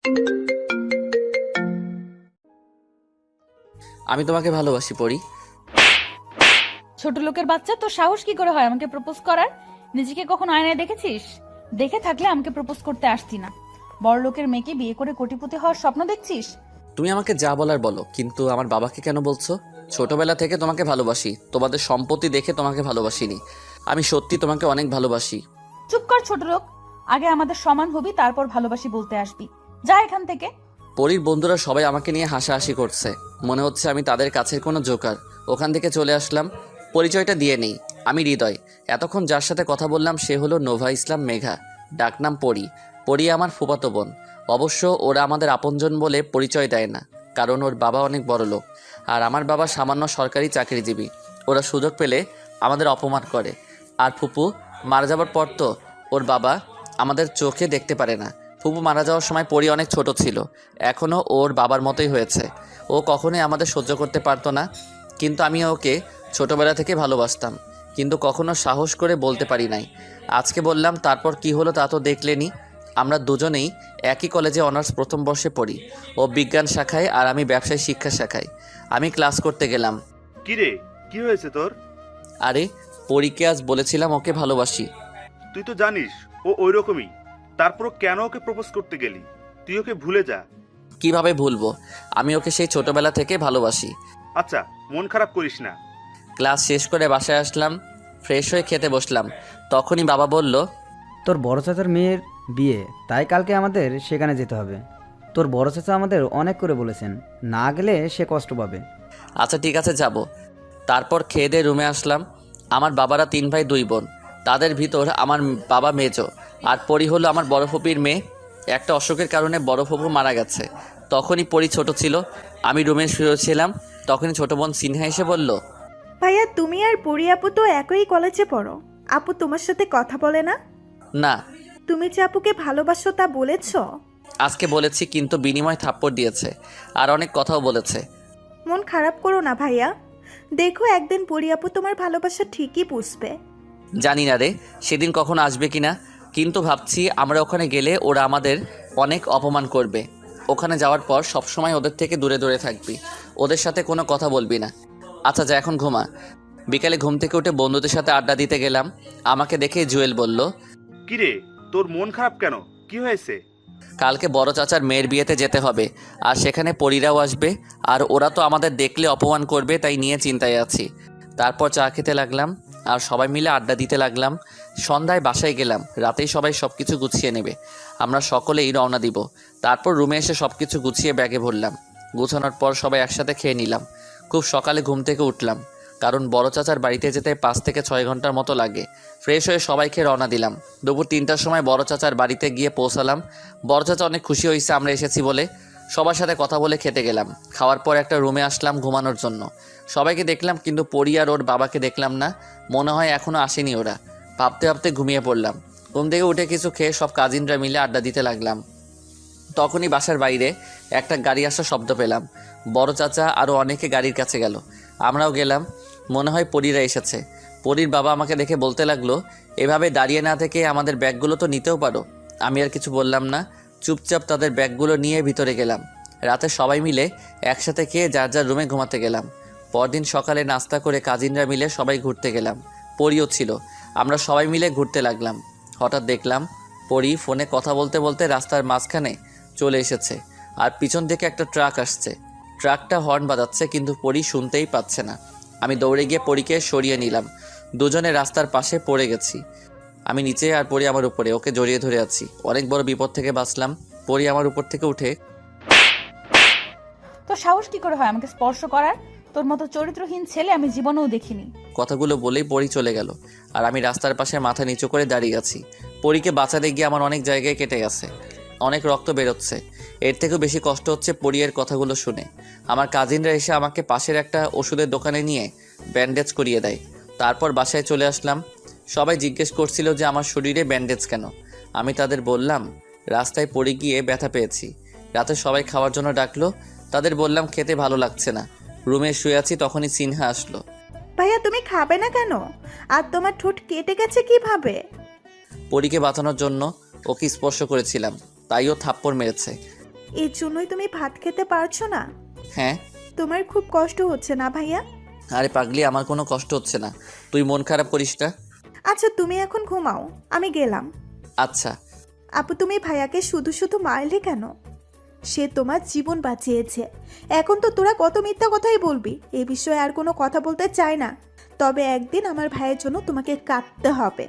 আমি তোমাকে ভালোবাসি পরি। ছোট লোকের বাচ্চা, তোর সাহস কি করে হয় আমাকে প্রপোজ করার? নিজেকে কখনো আয়নায় দেখেছিস? দেখে থাকলে আমাকে প্রপোজ করতে আসতি না। বড় লোকের মেয়েকে বিয়ে করে কোটিপতি হওয়ার স্বপ্ন দেখছিস? তুমি আমাকে যা বলার বলো, কিন্তু আমার বাবাকে কেন বলছো? ছোটবেলা থেকে তোমাকে ভালোবাসি, তোমাদের সম্পত্তি দেখে তোমাকে ভালোবাসিনি। আমি সত্যি তোমাকে অনেক ভালোবাসি। চুপ কর ছোট লোক। আগে আমাদের সমান হবি, তারপর ভালোবাসি বলতে আসবি। যা এখান থেকে। পরীর বন্ধুরা সবাই আমাকে নিয়ে হাসাহাসি করছে, মনে হচ্ছে আমি তাদের কাছের কোনো জোকার। ওখান থেকে চলে আসলাম। পরিচয়টা দিয়ে নেই, আমি হৃদয়। এতক্ষণ যার সাথে কথা বললাম সে হলো নোভা ইসলাম মেঘা, ডাকনাম পরি। পরি আমার ফুফাতো বোন। অবশ্য ওরা আমাদের আপনজন বলে পরিচয় দেয় না, কারণ ওর বাবা অনেক বড় লোক আর আমার বাবা সামান্য সরকারি চাকরিজীবী। ওরা সুযোগ পেলে আমাদের অপমান করে। আর ফুপু মারা যাবার পর তো ওর বাবা আমাদের চোখে দেখতে পারে না। ফুপু মারা যাওয়ার সময় পরি অনেক ছোট ছিল, এখনও ওর বাবার মতোই হয়েছে। ও কখনোই আমাদের সহ্য করতে পারতো না, কিন্তু আমি ওকে ছোটবেলা থেকে ভালোবাসতাম, কিন্তু কখনো সাহস করে বলতে পারি নাই। আজকে বললাম, তারপর কি হলো তা তো দেখলেনি। আমরা দুজনেই একই কলেজে অনার্স প্রথম বর্ষে পড়ি। ও বিজ্ঞান শাখায় আর আমি ব্যবসায় শিক্ষা শাখায়। আমি ক্লাস করতে গেলাম। কিরে, কি হয়েছে তোর? আরে পরীকে আজ বলেছিলাম ওকে ভালোবাসি। তুই তো জানিস ও ওইরকমই, তারপর কেন ওকে প্রপোজ করতে গেলি? তুই ওকে ভুলে যা। কিভাবে ভুলবো? আমি ওকে সেই ছোটবেলা থেকে ভালোবাসি। আচ্ছা, মন খারাপ করিস না। ক্লাস শেষ করে বাসায় আসলাম, ফ্রেশ হয়ে খেতে বসলাম। তখনই বাবা বলল, তোর বড় চাচার মেয়ের বিয়ে, তাই কালকে আমাদের সেখানে যেতে হবে। তোর বড় চাচা আমাদের অনেক করে বলেছেন, না গেলে সে কষ্ট পাবে। আচ্ছা ঠিক আছে যাব। তারপর খেয়ে দিয়ে রুমে আসলাম। আমার বাবারা 3 ভাই 2 বোন, তাদের ভিতর আমার বাবা মেজো, আর পরি হলো আমার বড় ফুপির মেয়ে। একটা অসুখের কারণে বড় ফুপু মারা গেছে। তখনই পরি ছোট ছিল। আমি রুমে শুয়েছিলাম, তখনই ছোট বোন সিনহা এসে বলল, ভাইয়া, তুমি আর পরি আপু তো একই কলেজে পড়ো। আপু তোমার সাথে কথা বলে না? না তুমি যে আপুকে ভালোবাসো তা বলেছো? আজকে বলেছি, কিন্তু বিনিময় থাপ্পড় দিয়েছে আর অনেক কথাও বলেছে। মন খারাপ করো না ভাইয়া, দেখো একদিন পরি আপু তোমার ভালোবাসা ঠিকই বুঝবে। জানি না রে সেদিন কখন আসবে কিনা, কিন্তু ভাবছি আমরা ওখানে গেলে ওরা আমাদের অনেক অপমান করবে। ওখানে যাওয়ার পর সবসময় ওদের থেকে দূরে দূরে থাকবি, ওদের সাথে কোনো কথা বলবি না। আচ্ছা যা, এখন ঘুমা। বিকালে ঘুম থেকে উঠে বন্ধুদের সাথে আড্ডা দিতে গেলাম। আমাকে দেখে জুয়েল বলল, কিরে, তোর মন খারাপ কেন? কি হয়েছে? কালকে বড় চাচার মেয়ের বিয়েতে যেতে হবে, আর সেখানে পরীরাও আসবে, আর ওরা তো আমাদের দেখলে অপমান করবে, তাই নিয়ে চিন্তায় আছি। তারপর চা খেতে লাগলাম আর সবাই মিলে আড্ডা দিতে লাগলাম। সন্ধ্যায় বাসায় গেলাম, রাতেই সবাই সব কিছু গুছিয়ে নেবে। আমরা সকলেই রওনা দিব। তারপর রুমে এসে সব কিছু গুছিয়ে ব্যাগে ভরলাম। গুছানোর পর সবাই একসাথে খেয়ে নিলাম। খুব সকালে ঘুম থেকে উঠলাম, কারণ বড় চাচার বাড়িতে যেতে 5 থেকে 6 ঘন্টার মতো লাগে। ফ্রেশ হয়ে সবাইকে রওনা দিলাম। দুপুর 3টার সময় বড় চাচার বাড়িতে গিয়ে পৌঁছালাম। বড় চাচা অনেক খুশি হয়েছে আমরা এসেছি বলে। সবার সাথে কথা বলে খেতে গেলাম। খাওয়ার পর একটা রুমে আসলাম ঘুমানোর জন্য। সবাইকে দেখলাম, কিন্তু পরি আর ওর বাবাকে দেখলাম না। মনে হয় এখনও আসেনি ওরা। ভাবতে ভাবতে ঘুমিয়ে পড়লাম। ঘুম থেকে উঠে কিছু খেয়ে সব কাজিনরা মিলে আড্ডা দিতে লাগলাম। তখনই বাসার বাইরে একটা গাড়ি আসার শব্দ পেলাম। বড় চাচা আরও অনেকে গাড়ির কাছে গেল, আমরাও গেলাম। মনে হয় পরীরা এসেছে। পরীর বাবা আমাকে দেখে বলতে লাগলো, এভাবে দাঁড়িয়ে না থেকে আমাদের ব্যাগগুলো তো নিতেও পারো। আমি আর কিছু বললাম না, চুপচাপ তাদের ব্যাগগুলো নিয়ে ভিতরে গেলাম। রাতে সবাই মিলে একসাথে খেয়ে যার যার রুমে ঘুমাতে গেলাম। পরদিন সকালে নাস্তা করে কাজিনরা মিলে সবাই ঘুরতে গেলাম। পরিও ছিল। আমরা সবাই মিলে ঘুরতে লাগলাম। হঠাৎ দেখলাম পরি ফোনে কথা বলতে বলতে রাস্তার মাঝখানে চলে এসেছে, আর পিছন থেকে একটা ট্রাক আসছে। ট্রাকটা হর্ন বাজাচ্ছে, কিন্তু পরি শুনতেই পাচ্ছে না। আমি দৌড়ে গিয়ে পরীকে সরিয়ে নিলাম। দুজনে রাস্তার পাশে পড়ে গেছি। আমি নিচে আর পরি আমার উপরে, ওকে জড়িয়ে ধরে আছি। অনেক বড় বিপদ থেকে বাঁচলাম। পরি আমার উপর থেকে উঠে, তোর সাহস কি করে হয় আমাকে স্পর্শ করার? তোর মতো চরিত্রহীন ছেলে আমি জীবনেও দেখিনি। কথাগুলো বলেই পরি চলে গেল, আর আমি রাস্তার পাশে মাথা নিচু করে দাঁড়িয়ে আছি। পরীকে বাঁচাতে গিয়ে আমার অনেক জায়গায় কেটে গেছে, অনেক রক্ত বেরোচ্ছে। এর থেকেও বেশি কষ্ট হচ্ছে পরিয়ের কথাগুলো শুনে। আমার কাজিনরা এসে আমাকে পাশের একটা ওষুধের দোকানে নিয়ে ব্যান্ডেজ করিয়ে দেয়। তারপর বাসায় চলে আসলাম। সবাই জিজ্ঞেস করছিল যে আমার শরীরে ব্যান্ডেজ কেন। আমি তাদের বললাম, রাস্তায় পড়ে গিয়ে ব্যথা পেয়েছি। রাতে সবাই খাওয়ার জন্য ডাকলো, তাদের বললাম খেতে ভালো লাগছে না। রুমে শুয়ে আছি, তখনই সিনহা আসলো। ভাইয়া, তুমি খাবে না কেন? আর তোমার ঠোঁট কেটে গেছে কিভাবে? পরীকে বাঁচানোর জন্য ওকে স্পর্শ করেছিলাম, তাই ও থাপ্পড় মেরেছে। এর জন্যই তুমি ভাত খেতে পারছো না? হ্যাঁ। তোমার খুব কষ্ট হচ্ছে না ভাইয়া? আরে পাগলি, আমার কোনো কষ্ট হচ্ছে না, তুই মন খারাপ করিস না। আচ্ছা তুমি এখন ঘুমাও, আমি গেলাম। আচ্ছা। আপু তুমি ভাইয়াকে শুধু শুধু মারলে কেন? সে তোমার জীবন বাঁচিয়েছে। এখন তো তোরা কত মিথ্যা কথাই বলবি, এ বিষয়ে আর কোনো কথা বলতে চাই না। তবে একদিন আমার ভাইয়ের জন্য তোমাকে কাঁদতে হবে।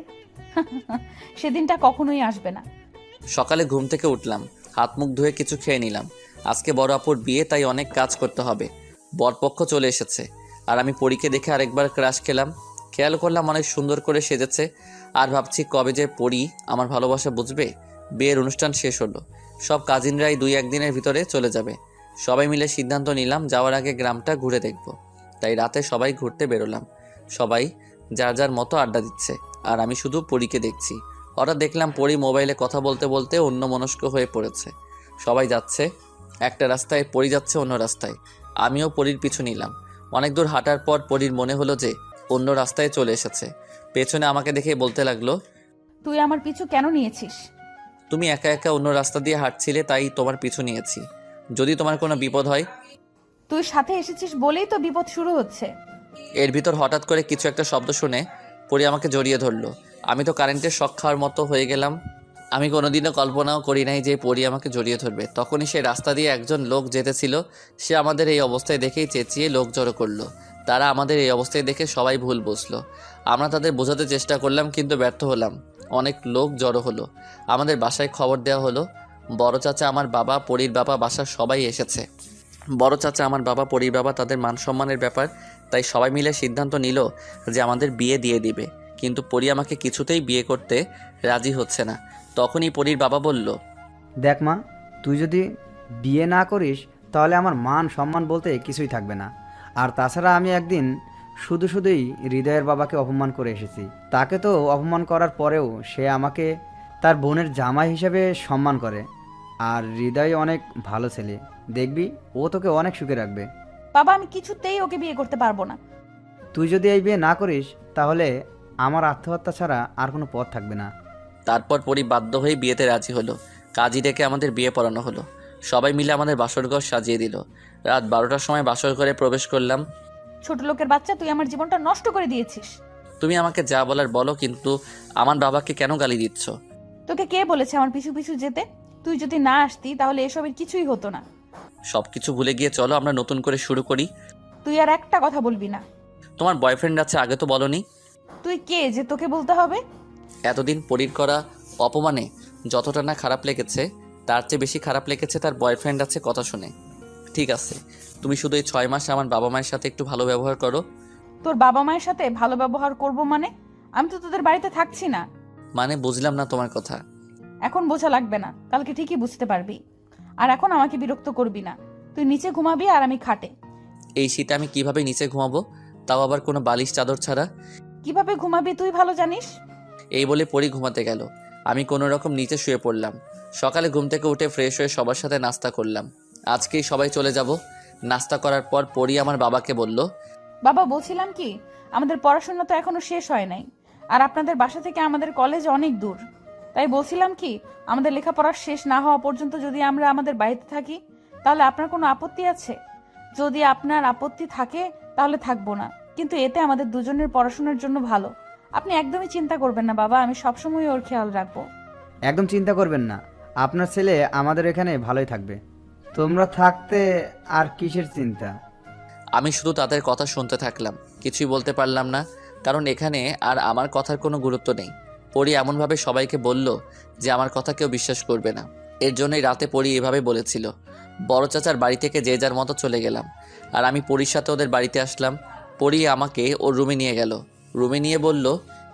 সেদিনটা কখনোই আসবে না। সকালে ঘুম থেকে উঠলাম, হাত মুখ ধুয়ে কিছু খেয়ে নিলাম। আজকে বড় আপুর বিয়ে, তাই অনেক কাজ করতে হবে। বরপক্ষ চলে এসেছে, আর আমি পরীকে দেখে আরেকবার ক্রাশ খেলাম। খেয়াল করলাম অনেক সুন্দর করে সেজেছে, আর ভাবছি কবে যে পরী আমার ভালোবাসা বুঝবে। বিয়ের অনুষ্ঠান শেষ হলো, সব কাজিনরাই 2-1 দিনের ভিতরে চলে যাবে। সবাই মিলে সিদ্ধান্ত নিলাম যাওয়ার আগে গ্রামটা ঘুরে দেখব। তাই রাতে সবাই ঘুরতে বেরোলাম। সবাই যার যার মতো আড্ডা দিচ্ছে, আর আমি শুধু পরীকে দেখছি। হঠাৎ দেখলাম পরী মোবাইলে কথা বলতে বলতে অন্যমনস্ক হয়ে পড়েছে। সবাই যাচ্ছে একটা রাস্তায়, পরী যাচ্ছে অন্য রাস্তায়। আমিও পরীর পিছু নিলাম। অনেক দূর হাঁটার পর পরীর মনে হলো যে অন্য রাস্তায় চলে এসেছে। পেছনে আমাকে দেখে বলতে লাগলো, তুই আমার পিছু কেন নিয়েছিস? তুমি একা একা অন্য রাস্তা দিয়ে হাঁটছিলে, তাই তোমার পিছু নিয়েছি, যদি তোমার কোনো বিপদ হয়। তুই সাথে এসেছিস বলেই তো বিপদ শুরু হচ্ছে। এর ভিতর হঠাৎ করে কিছু একটা শব্দ শুনে পরী আমাকে জড়িয়ে ধরলো। আমি তো কারেন্টের শক খাওয়ার মতো হয়ে গেলাম। আমি কোনোদিনও কল্পনাও করি নাই যে পরী আমাকে জড়িয়ে ধরবে। তখনই সেই রাস্তা দিয়ে একজন লোক যেতেছিল। সে আমাদের এই অবস্থায় দেখেই চেঁচিয়ে লোক জড়ো করলো। তারা আমাদের এই অবস্থায় দেখে সবাই ভুল বুঝলো। আমরা তাদের বোঝাতে চেষ্টা করলাম, কিন্তু ব্যর্থ হলাম। অনেক লোক জড়ো হলো। আমাদের বাসায় খবর দেওয়া হলো। বড় চাচা, আমার বাবা, পরীর বাবা, বাসার সবাই এসেছে। বড় চাচা, আমার বাবা, পরীর বাবা, তাদের মান সম্মানের ব্যাপার, তাই সবাই মিলে সিদ্ধান্ত নিল যে আমাদের বিয়ে দিয়ে দিবে। কিন্তু পরী আমাকে কিছুতেই বিয়ে করতে রাজি হচ্ছে না। তখনই পরীর বাবা বলল, দেখ মা, তুই যদি বিয়ে না করিস তাহলে আমার মান সম্মান বলতে কিছুই থাকবে না। আর তাছাড়া আমি একদিন শুধুই হৃদয়ের বাবাকে অপমান করে এসেছি। তাকে তো অপমান করার পরেও সে আমাকে তার বোনের জামাই হিসেবে সম্মান করে। আর হৃদয় অনেক ভালো ছেলে, দেখবি ও তোকে অনেক সুখে রাখবে। বাবা, আমি কিছুতেই ওকে বিয়ে করতে পারবো না। তুই যদি এই বিয়ে না করিস তাহলে আমার আত্মহত্যা ছাড়া আর কোনো পথ থাকবে না। তারপর পরী বাধ্য হয়ে বিয়েতে রাজি হলো। কাজী ডেকে আমাদের বিয়ে পড়ানো হলো। সবাই মিলে আমাদের বাসরঘর সাজিয়ে দিল। রাত 12টার সময় বাসর ঘরে প্রবেশ করলাম। ছোট লোকের বাচ্চা, তুই আমার জীবনটা নষ্ট করে দিয়েছিস। তুমি আমাকে যা বলার বলো, কিন্তু আমার বাবাকে কেন গালি দিচ্ছ? তোকে কে বলেছে আমার পিছু পিছু যেতে? তুই যদি না আসতি তাহলে এসবের কিছুই হতো না। সব কিছু ভুলে গিয়ে চলো আমরা নতুন করে শুরু করি। তুই আর একটা কথা বলবি না। তোমার বয়ফ্রেন্ড আছে, আগে তো বলনি। তুই কে যে তোকে বলতে হবে? এতদিন পরীর করা অপমানে যতটা না খারাপ লেগেছে, তার চেয়ে বেশি খারাপ লেগেছে তার বয়ফ্রেন্ড আছে কথা শুনে। ঠিক আছে, তুমি শুধু এই 6 মাস আমার বাবা মায়ের সাথে একটু ভালো ব্যবহার করো। তোর বাবা মায়ের সাথে ভালো ব্যবহার করব মানে? আমি তো তোদের বাড়িতে থাকছি না। মানে বুঝলাম না তোমার কথা। এখন বোঝা লাগবে না, কালকে ঠিকই বুঝতে পারবি। আর এখন আমাকে বিরক্ত করবি না। তুই নিচে ঘুমাবি আর আমি খাটে। এই শীতে আমি কিভাবে নিচে ঘুমাবো, তাও আবার কোনো বালিশ চাদর ছাড়া? কিভাবে ঘুমাবি তুই ভালো জানিস। এই বলে পরী ঘুমাতে গেল। আমি কোনো রকম নিচে শুয়ে পড়লাম। সকালে ঘুম থেকে উঠে ফ্রেশ হয়ে সবার সাথে নাস্তা করলাম। আজকেই সবাই চলে যাব। নাস্তা করার পর পরী আমার বাবাকে বলল, বাবা, বলছিলাম কি, আমাদের পড়াশোনা তো এখনো শেষ হয় নাই। আর আপনাদের বাসা থেকে আমাদের কলেজ অনেক দূর। তাই বলছিলাম কি, আমাদের লেখাপড়া শেষ না হওয়া পর্যন্ত যদি আমরা আমাদের বাড়িতে থাকি, তাহলে আপনার কোনো আপত্তি আছে? যদি আপনার আপত্তি থাকে তাহলে থাকবো না, কিন্তু এতে আমাদের দুজনের পড়াশোনার জন্য ভালো। আপনি একদমই চিন্তা করবেন না বাবা, আমি সবসময় ওর খেয়াল রাখবো। একদম চিন্তা করবেন না, আপনার ছেলে আমাদের এখানে ভালোই থাকবে। তোমরা থাকতে আর কিসের চিন্তা। আমি শুধু তাদের কথা শুনতে থাকলাম, কিছুই বলতে পারলাম না, কারণ এখানে আর আমার কথার কোনো গুরুত্ব নেই। পরী এমনভাবে সবাইকে বলল যে আমার কথা কেউ বিশ্বাস করবে না। এর জন্যই রাতে পরী এভাবে বলেছিল। বড় চাচার বাড়ি থেকে যে যার মতো চলে গেলাম, আর আমি পরীর সাথে ওদের বাড়িতে আসলাম। পরী আমাকে ওর রুমে নিয়ে গেল। রুমে নিয়ে বলল,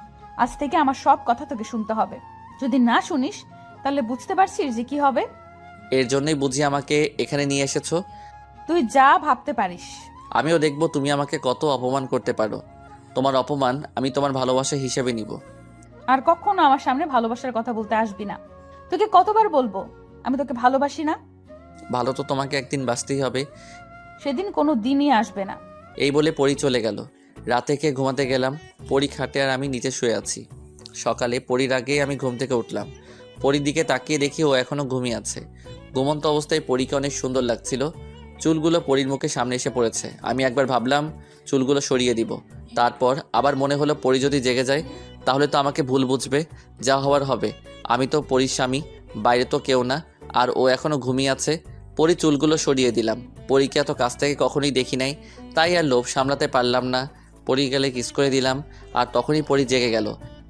আজ থেকে আমার সব কথা তোকে শুনতে হবে। যদি না শুনিস তাহলে বুঝতে পারছিস যে কি হবে। এর জন্যই বুঝি আমাকে এখানে নিয়ে এসেছো। তুই যা ভাবতে পারিস। আমিও দেখব তুমি আমাকে কত অপমান করতে পারো। তোমার অপমান আমি তোমার ভালোবাসা হিসেবে নিব। আর কখনো আমার সামনে ভালোবাসার কথা বলতে আসবি না। তোকে কতবার বলবো আমি তোকে ভালোবাসি না? ভালো তো তোমাকে একদিন বাঁচতেই হবে। সেদিন কোনো দিনই আসবে না। এই বলে পরী চলে গেল। রাতে খেয়ে ঘুমাতে গেলাম। পরী খাটে আর আমি নিচে শুয়ে আছি। সকালে পরীর আগেই আমি ঘুম থেকে উঠলাম। পরীর দিকে তাকিয়ে দেখি ও এখনো ঘুমিয়ে আছে। ঘুমন্ত অবস্থায় পরীকে অনেক সুন্দর লাগছিল। চুলগুলো পরীর মুখে সামনে এসে পড়েছে। আমি একবার ভাবলাম চুলগুলো সরিয়ে দিব, তারপর আবার মনে হলো পরী যদি জেগে যায় তাহলে তো আমাকে ভুল বুঝবে, যা হওয়ার হবে। আমি তো পরীর স্বামী, বাইরে তো কেউ না, আর ও এখনো ঘুমিয়ে আছে। পরী চুলগুলো সরিয়ে দিলাম। পরীকে এত কাছ থেকে কখনোই দেখি নাই, তাই আর লোভ সামলাতে পারলাম না। পরী গেলে কিস করে দিলাম, আর তখনই পরী জেগে গেল।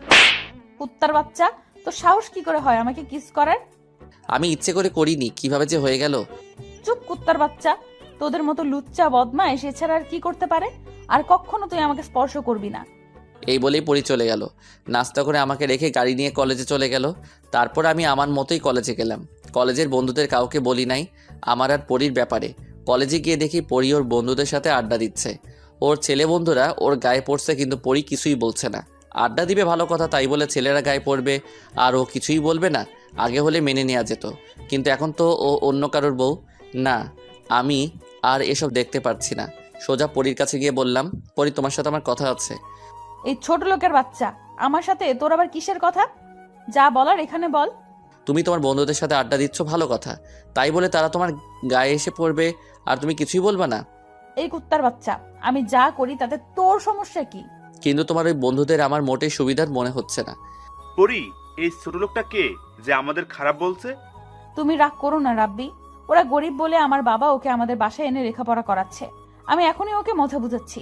কুত্তার বাচ্চা, তো সাহস কি করে হয় আমাকে কিস করার? আমি ইচ্ছে করে করিনি, কিভাবে যে হয়ে গেল। চুপ কুত্তার বাচ্চা, তোদের মতো লুচ্চা বদমাইশ এছাড়া আর কি করতে পারে? আর কখনো তুই আমাকে স্পর্শ করবি না। এই বলেই পরী চলে গেল। নাস্তা করে আমাকে রেখে গাড়ি নিয়ে কলেজে চলে গেল। তারপর আমি আমার মতোই কলেজে গেলাম। কলেজের বন্ধুদের কাউকে বলি নাই আমার আর পরীর ব্যাপারে। কলেজে গিয়ে দেখি পরী ওর বন্ধুদের সাথে আড্ডা দিচ্ছে। ওর ছেলে বন্ধুরা ওর গায়ে পড়ছে, কিন্তু পরী কিছুই বলছে না। আড্ডা দিবে ভালো কথা, তাই বলে ছেলেরা গায়ে পড়বে আর ও কিছুই বলবে না? আগে হলে মেনে নেওয়া যেত, কিন্তু এখন তো ও অন্য কারোর বউ। না, আমি আর এসব দেখতে পারছি না। সোজা পরীর কাছে গিয়ে বললাম, পরী, তোমার সাথে আমার কথা আছে। এই ছোট লোকের বাচ্চা, আমার সাথে তোর আবার কিসের কথা? যা বলার এখানে বল। তুমি তোমার বন্ধুদের সাথে আড্ডা দিচ্ছ ভালো কথা, তাই বলে তারা তোমার গায়ে এসে পড়বে আর তুমি কিছুই বলবা না? এই কুত্তার বাচ্চা, আমি যা করি তাতে তোর সমস্যা কি? কিন্তু তোমার ওই বন্ধুদের আমার মোটেই সুবিধার মনে হচ্ছে না। পরি, এই ছোট লোকটা কে যে আমাদের খারাপ বলছে? তুমি রাগ করো না রাব্বি, ওরা গরিব বলে আমার বাবা ওকে আমাদের বাসায় এনে লেখাপড়া করাচ্ছে। আমি এখনই ওকে মজা বুঝাচ্ছি।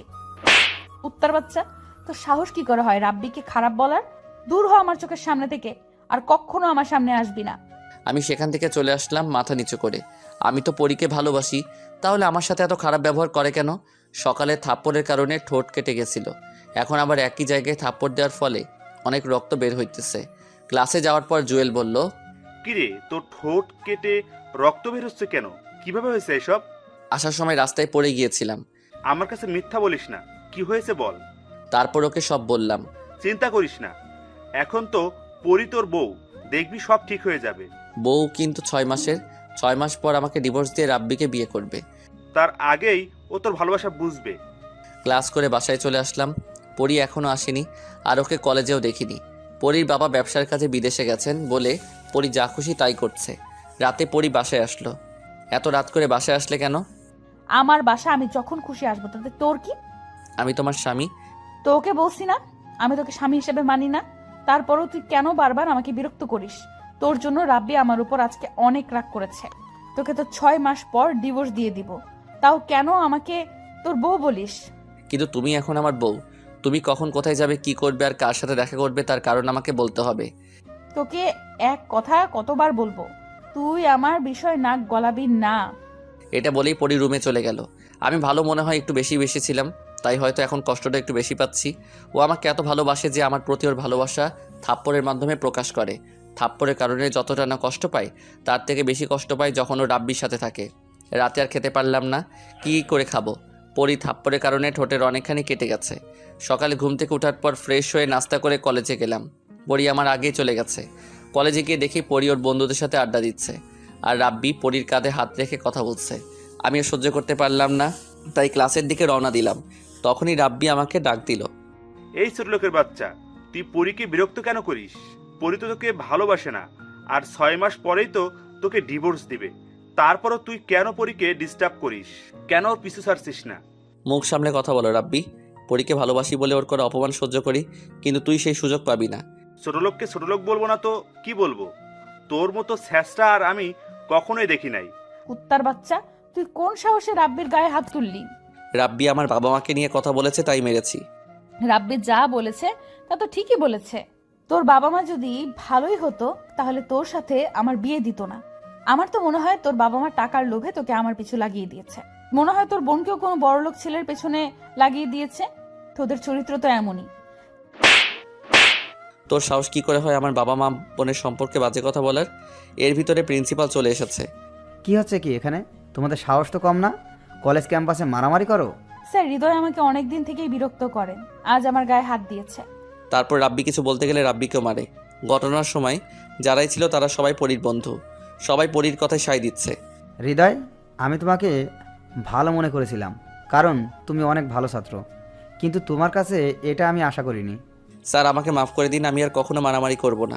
কুত্তার বাচ্চা, তো সাহস কি করে হয় রাব্বিকে খারাপ বলার? দূর হ আমার চোখের সামনে থেকে, আর কখনো আমার সামনে আসবি না। আমি সেখান থেকে চলে আসলাম মাথা নিচু করে। আমি তো পরীকে ভালোবাসি, তাহলে আমার সাথে এত খারাপ ব্যবহার করে কেন? সকালে থাপ্পড়ের কারণে ঠোঁট কেটে গেছিল, এখন আবার একই জায়গায় থাপ্পড় দেওয়ার ফলে অনেক রক্ত বের হইতেছে। ক্লাসে যাওয়ার পর জুয়েল বলল, কিরে, তোর ঠোঁট কেটে রক্ত বের হচ্ছে কেন? কিভাবে হয়েছে এসব? আসার সময় রাস্তায় পড়ে গিয়েছিলাম। আমার কাছে মিথ্যা বলিস না, কি হয়েছে বল। তারপর ওকে সব বললাম। চিন্তা করিস না, এখন তো পরি তোর বউ, দেখবি সব ঠিক হয়ে যাবে। বউ কিন্তু 6 মাসের, 6 মাস পর আমাকে ডিভোর্স দিয়ে রাব্বিকে বিয়ে করবে। তার আগেই ও তোর ভালোবাসা বুঝবে। ক্লাস করে বাসায় চলে আসলাম। পরী এখনও আসেনি, আর ওকে কলেজেও দেখিনি। পরীর বাবা ব্যবসার কাজে বিদেশে গেছেন বলে পরী যা খুশি তাই করছে। রাতে পরী বাসায় আসলো। এত রাত করে বাসায় আসলে কেন? আমার বাসা আমি যখন খুশি আসবো, তাতে তোর কি? আমি তোমার স্বামী। তোকে বলছি না আমি তোকে স্বামী হিসেবে মানি না? তারপরও তুই কেন বারবার আমাকে বিরক্ত করিস? তোর জন্য রাব্বি আমার উপর আজকে অনেক রাগ করেছে। তোকে তো 6 মাস পর ডিভোর্স দিয়ে দিব, তাও কেন আমাকে তোর বউ বলিস? কিন্তু তুমি এখন আমার বউ। তুমি কখন কোথায় যাবে, কি করবে আর কার সাথে দেখা করবে তার কারণ আমাকে বলতে হবে। তোকে এক কথা কতবার বলবো, তুই আমার বিষয় নাক গলাবি না। এটা বলেই পরী রুমে চলে গেল। আমি ভালো মনে হয় একটু বেশি ছিলাম, তাই হয়তো এখন কষ্টটা একটু বেশি পাচ্ছি। ও আমাকে এত ভালোবাসে যে আমার প্রতি ওর ভালোবাসা থাপ্পড়ের মাধ্যমে প্রকাশ করে। থাপ্পড়ের কারণে যতটা না কষ্ট পাই, তার থেকে বেশি কষ্ট পাই যখন ও রাব্বির সাথে থাকে। রাতে আর খেতে পারলাম না, কি করে খাবো? পরী থাপ্পড়ের কারণে ঠোঁটের অনেকখানি কেটে গেছে। সকালে ঘুম থেকে ওঠার পর ফ্রেশ হয়ে নাস্তা করে কলেজে গেলাম। পরী আমার আগেই চলে গেছে। কলেজে গিয়ে দেখি পরী ওর বন্ধুদের সাথে আড্ডা দিচ্ছে, আর রাব্বি পরীর কাঁধে হাত রেখে কথা বলছে। আমিও সহ্য করতে পারলাম না, তাই ক্লাসের দিকে রওনা দিলাম। তখনই রাব্বি আমাকে ডাক দিল। এই ছোট লোকের বাচ্চা, তুই পরীকে বিরক্ত কেন করিস? পরি তো তোকে ভালোবাসে না, আর 6 মাস পরেই তো তোকে ডিভোর্স দিবে। তারপরও তুই কেন পরীকে ডিস্টার্ব করিস? কেন ওর পিছু ছাড়ছিস না? মুখ সামলে কথা বলো রাব্বি। পরীকে ভালোবাসি বলে ওর করে অপমান সহ্য করি, কিন্তু তুই সেই সুযোগ পাবি না। ছোট লোককে ছোট লোক বলবো না তো কি বলবো? তোর মতো স্যাসটা আর আমি কখনোই দেখি নাই। কুত্তার বাচ্চা, তুই কোন সাহসে রাব্বির গায়ে হাত তুললি? রাব্বি আমার বাবা মাকে নিয়ে কথা বলেছে, তাই মেরেছি। রাব্বি যা বলেছে তা তো ঠিকই বলেছে। তোর বাবা মা যদি ভালোই হতো তাহলে তোর সাথে আমার বিয়ে দিত না। আমার তো মনে হয় তোর বাবা মা টাকার লোভে তোকে আমার পিছু লাগিয়ে দিয়েছে। মনে হয় তোর বোনকেও কোনো বড়লোক ছেলের পেছনে লাগিয়ে দিয়েছে। তোদের চরিত্র তো এমনই। তোর সাহস কি করে হয় আমার বাবা মা বোনের সম্পর্কে বাজে কথা বলার? এর ভিতরে প্রিন্সিপাল চলে এসেছে। কি হচ্ছে কি এখানে? তোমাদের সাহস তো কম না, কলেজ ক্যাম্পাসে মারামারি করো? স্যার, হৃদয় আমাকে অনেক দিন থেকেই বিরক্ত করেন, আজ আমার গায়ে হাত দিয়েছে। তারপর রাব্বি কিছু বলতে গেলে রাব্বিকেও মারে। ঘটনার সময় যারাই ছিল তারা সবাই পরীর বন্ধু, সবাই পরীর কথায় সায় দিচ্ছে। হৃদয়, আমি তোমাকে ভালো মনে করেছিলাম, কারণ তুমি অনেক ভালো ছাত্র, কিন্তু তোমার কাছে এটা আমি আশা করিনি। স্যার, আমাকে মাফ করে দিন, আমি আর কখনো মারামারি করব না।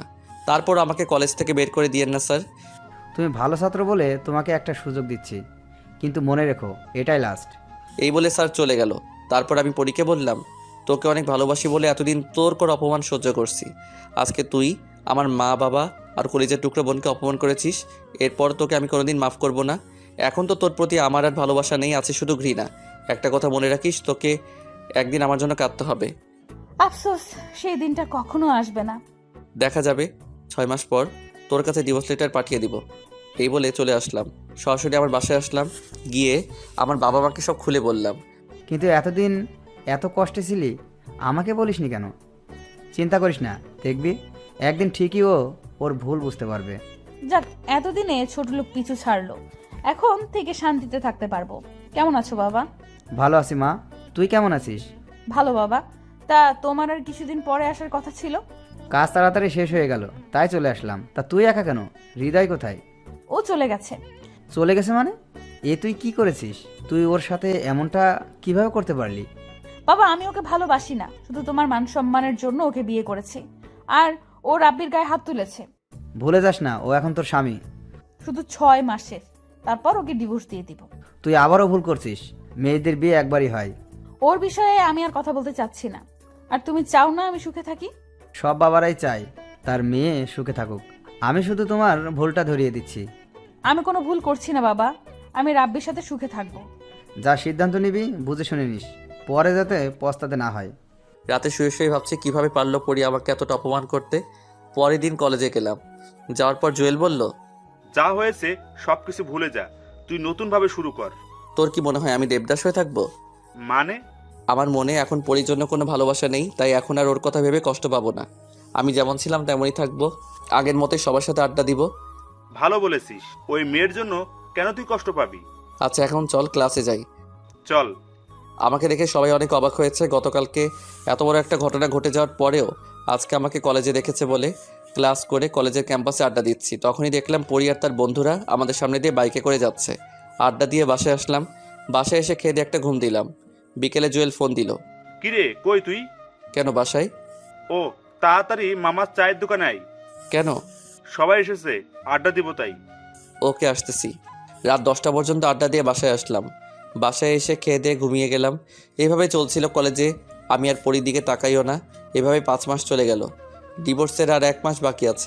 তারপর আমাকে কলেজ থেকে বের করে দিয়েন না স্যার। তুমি ভালো ছাত্র বলে তোমাকে একটা সুযোগ দিচ্ছি, কিন্তু মনে রেখো এটাই লাস্ট। এই বলে স্যার চলে গেল। তারপর আমি পরীকে বললাম, তোকে অনেক ভালোবাসি বলে এতদিন তোর করে অপমান সহ্য করছি। আজকে তুই আমার মা বাবা আর কলেজের টুকরো বোনকে অপমান করেছিস, এরপর তোকে আমি কোনোদিন মাফ করব না। এখন তো তোর প্রতি আমার আর ভালোবাসা নেই, আছে শুধু ঘৃণা। একটা কথা মনে রাখিস, তোকে একদিন আমার জন্য কাঁদতে হবে। আফসোস, সেই দিনটা কখনো আসবে না। দেখা যাবে 6 মাস পর তোর কাছে ডিভোর্স লেটার পাঠিয়ে দিব। এই বলে চলে আসলাম, সরাসরি আমার বাসায় আসলাম। গিয়ে আমার বাবা মাকে সব খুলে বললাম। কিন্তু এতদিন এত কষ্টে ছিলি, আমাকে বলিসনি কেন? চিন্তা করিস না, দেখবি একদিন ঠিকই ওর ভুল বুঝতে পারবে। যাক, এতদিনে ছোট লোক পিছু ছাড়লো, এখন থেকে শান্তিতে থাকতে পারবো। কেমন আছো বাবা? ভালো আছি মা, তুই কেমন আছিস? ভালো বাবা। তা তোমার আর কিছুদিন পরে আসার কথা ছিল? কাজ তাড়াতাড়ি শেষ হয়ে গেল, তাই চলে আসলাম। তা তুই একা কেন? হৃদয় কোথায়? ও চলে গেছে। চলে গেছে মানে? তুই কি করেছিস? তুই ওর সাথে এমনটা কিভাবে করতে পারলি? বাবা, আমি ওকে ভালোবাসি না, শুধু তোমার মান সম্মানের জন্য ওকে বিয়ে করেছি। আর ও রাব্বির গায়ে হাত তুলেছে। ভুলে যাস না, ও এখন তোর স্বামী। শুধু 6 মাসের, তারপর ওকে ডিভোর্স দিয়ে দিব। তুই আবারও ভুল করছিস, মেয়েদের বিয়ে একবারই হয়। ওর বিষয়ে আমি আর কথা বলতে চাচ্ছি না। আর তুমি চাও না আমি সুখে থাকি? সব বাবারাই চায় তার মেয়ে সুখে থাকুক, আমি শুধু তোমার ভুলটা ধরিয়ে দিচ্ছি। আমি কোনো ভুল করছি না বাবা, আমি রাব্বির সাথে সুখে থাকবো। যা সিদ্ধান্ত নিবি বুঝে শুনে নিস, পরে যাতে পস্তাতে না হয়। রাতে শুয়ে শুয়ে ভাবছি কিভাবে পারলো পরি আমাকে এতটা অপমান করতে। পরের দিন কলেজে গেলাম। যাওয়ার পর জুয়েল বলল, যা হয়েছে সবকিছু ভুলে যা, তুই নতুনভাবে শুরু কর। তোর কি মনে হয় আমি দেবদাস হয়ে থাকবো? মানে? আমার মনে এখন পরির জন্য কোনো ভালোবাসা নেই, তাই এখন আর ওর কথা ভেবে কষ্ট পাবো না। আমি যেমন ছিলাম তেমনই থাকবো, আগের মতোই সবার সাথে আড্ডা দিব। ভালো বলেছিস, ওই মেয়ের জন্য কেন তুই কষ্ট পাবি? আচ্ছা এখন চল ক্লাসে যাই। চল। আমাকে দেখে সবাই অনেক অবাক হয়েছে। গতকালকে এত বড় একটা ঘটনা ঘটে যাওয়ার পরেও আজকে আমাকে কলেজে দেখেছে বলে ক্লাস করে কলেজের ক্যাম্পাসে আড্ডা দিচ্ছি। তখনই দেখলাম পরি আর তার বন্ধুরা আমাদের সামনে দিয়ে বাইকে করে যাচ্ছে। আড্ডা দিয়ে বাসায় আসলাম। বাসায় এসে খেয়ে দিয়ে একটা ঘুম দিলাম। বিকেলে জুয়েল ফোন দিল। কিরে, কই তুই? কেন বাসায়? ও, তাড়াতাড়ি মামার চায়ের দোকানে আয়। কেন? সবাই এসেছে, আড্ডা দিব তাই। ওকে আসতেছি। রাত 10টা পর্যন্ত আড্ডা দিয়ে বাসায় আসলাম। বাসায় এসে খেয়ে দিয়ে ঘুমিয়ে গেলাম। এভাবে চলছিল কলেজে। আমি আর পরির দিকে তাকাইও না। এভাবে 5 মাস চলে গেল। ডিভোর্সের আর 1 মাস বাকি আছে।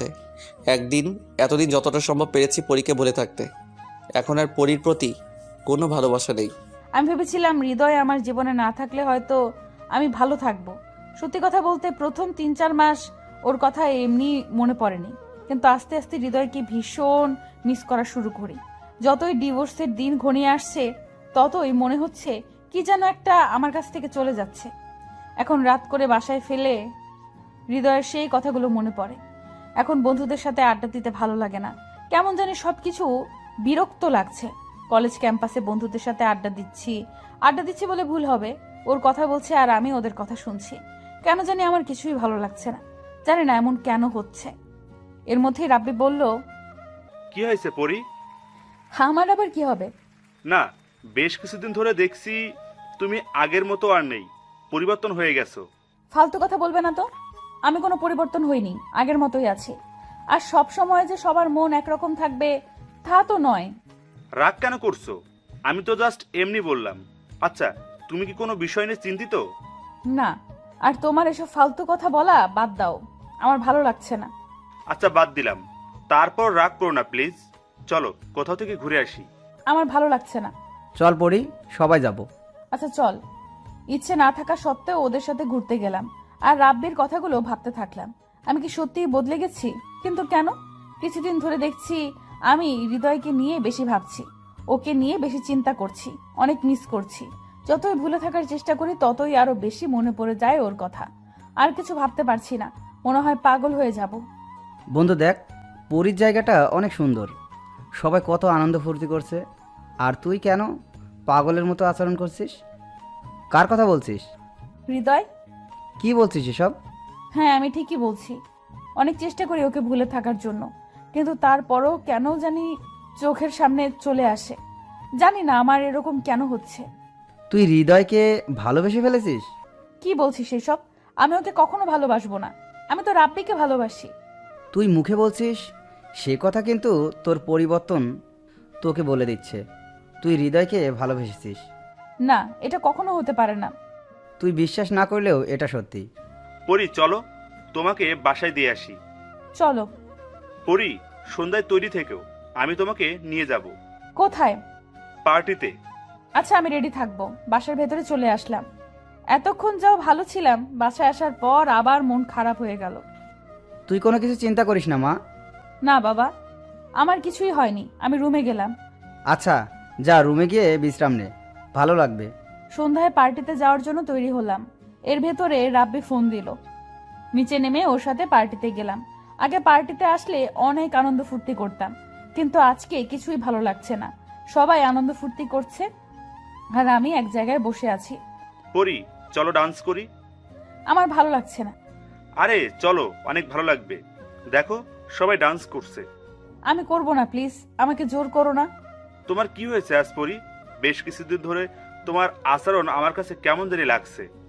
এতদিন যতটা সম্ভব পেরেছি পরীকে ভুলে থাকতে। এখন আর পরির প্রতি কোনো ভালোবাসা নেই। আমি ভেবেছিলাম হৃদয় আমার জীবনে না থাকলে হয়তো আমি ভালো থাকবো। সত্যি কথা বলতে প্রথম 3-4 মাস ওর কথা এমনি মনে পড়েনি, কিন্তু আস্তে আস্তে হৃদয়কে ভীষণ মিস করা শুরু করি। যতই ডিভোর্সের দিন ঘনিয়ে আসছে ততই মনে হচ্ছে কি যেন একটা আমার কাছ থেকে চলে যাচ্ছে। এখন রাত করে বাসায় ফেলে হৃদয়ের সেই কথাগুলো মনে পড়ে। এখন বন্ধুদের সাথে আড্ডা দিতে ভালো লাগে না, কেমন জানি সবকিছু বিরক্ত লাগছে। কলেজ ক্যাম্পাসে বন্ধুদের সাথে আড্ডা দিচ্ছি বলে ভুল হবে, ওর কথা বলছে আর আমি ওদের কথা শুনছি। কেন জানি আমার কিছুই ভালো লাগছে না, জানি না এমন কেন হচ্ছে। এর মধ্যেই রাব্বি বলল, কি হয়েছে পরি? আমার আবার কি হবে? না, বেশ কিছুদিন ধরে দেখছি তুমি আগের মতো আর নেই, পরিবর্তন হয়ে গেছো। ফালতু কথা বলবে না তো। আমি কোনো পরিবর্তন হইনি, আগের মতোই আছি। আর সব সময় যে সবার মন একরকম থাকবে তা তো নয়। রাগ কেন করছো? আমি তো জাস্ট এমনি বললাম। আচ্ছা, তুমি কি কোনো বিষয় নিয়ে চিন্তিত? না, আর তোমার এসব ফালতু কথা বলা বাদ দাও, আমার ভালো লাগছে না। আচ্ছা, বাদ দিলাম। তারপর রাগ করো না প্লিজ। চলো কোথাও থেকে ঘুরে আসি। আমার ভালো লাগছে না। চল পড়ি, সবাই যাব। আচ্ছা চল। ইচ্ছে না থাকা সত্ত্বেও ওদের সাথে ঘুরতে গেলাম আর রাব্বির কথাগুলো ভাবতে থাকলাম। আমি কি সত্যিই বদলে গেছি? কিন্তু কেন? কিছুদিন ধরে দেখছি আমি হৃদয়কে নিয়ে বেশি ভাবছি, ওকে নিয়ে বেশি চিন্তা করছি, অনেক মিস করছি। যতই ভুলে থাকার চেষ্টা করি ততই আরো বেশি মনে পড়ে যায় ওর কথা। আর কিছু ভাবতে পারছি না, মনে হয় পাগল হয়ে যাব। বন্ধু দেখ, পুরীর জায়গাটা অনেক সুন্দর, সবাই কত আনন্দ ফুর্তি করছে, আর তুই কেন পাগলের মতো আচরণ করছিস? কার কথা বলছিস? হৃদয়। কি বলছিস এসব? হ্যাঁ, আমি ঠিকই বলছি। অনেক চেষ্টা করি ওকে ভুলে থাকার জন্য, কিন্তু তারপরও কেন জানি চোখের সামনে চলে আসে। জানি না আমার এরকম কেন হচ্ছে। তুই হৃদয়কে ভালোবেসে ফেলেছিস? কি বলছিস এসব? আমি ওকে কখনো ভালোবাসবো না, আমি তো রাব্বিকে ভালোবাসি। তুই মুখে বলছিস, সে কথা কিন্তু তোর পরিবর্তন তোকে বলে দিচ্ছে। তুই হৃদয়কে ভালোবেসেছিস। না, এটা কখনো হতে পারে না। তুই বিশ্বাস না করলেও এটা সত্যি। পরি চলো, তোমাকে বাসায় দিয়ে আসি। চলো। পরি, সন্ধ্যায় তৈরি থেকেও, আমি তোমাকে নিয়ে যাব কোথায়? পার্টিতে। আচ্ছা, আমি রেডি থাকবো। বাসার ভেতরে চলে আসলাম। এতক্ষণ যাও ভালো ছিলাম, বাসায় আসার পর আবার মন খারাপ হয়ে গেল। তুই কোনো কিছু চিন্তা করিস না মা। না বাবা, আমার কিছুই হয়নি। আমি রুমে গেলাম। আচ্ছা, যা রুমে গিয়ে বিশ্রাম নে, ভালো লাগবে। সন্ধ্যায় পার্টিতে যাওয়ার জন্য তৈরি হলাম। এর ভেতরে রাব্বি ফোন দিল। নিচে নেমে ওর সাথে পার্টিতে গেলাম। আগে পার্টিতে আসলে অনেক আনন্দ ফুর্তি করতাম, কিন্তু আজকে কিছুই ভালো লাগছে না। সবাই আনন্দ ফুর্তি করছে আর আমি এক জায়গায় বসে আছি। পরি চলো ডান্স করি। আমার ভালো লাগছে না। আরে চলো, অনেক ভালো লাগবে। দেখো সবাই ডান্স করছে। আমি করব না, প্লিজ আমাকে জোর করো না। তোমার কি হয়েছে আজ পরি? বেশ কিছুদিন ধরে তোমার আচরণ আমার কাছে কেমন জানি লাগছে।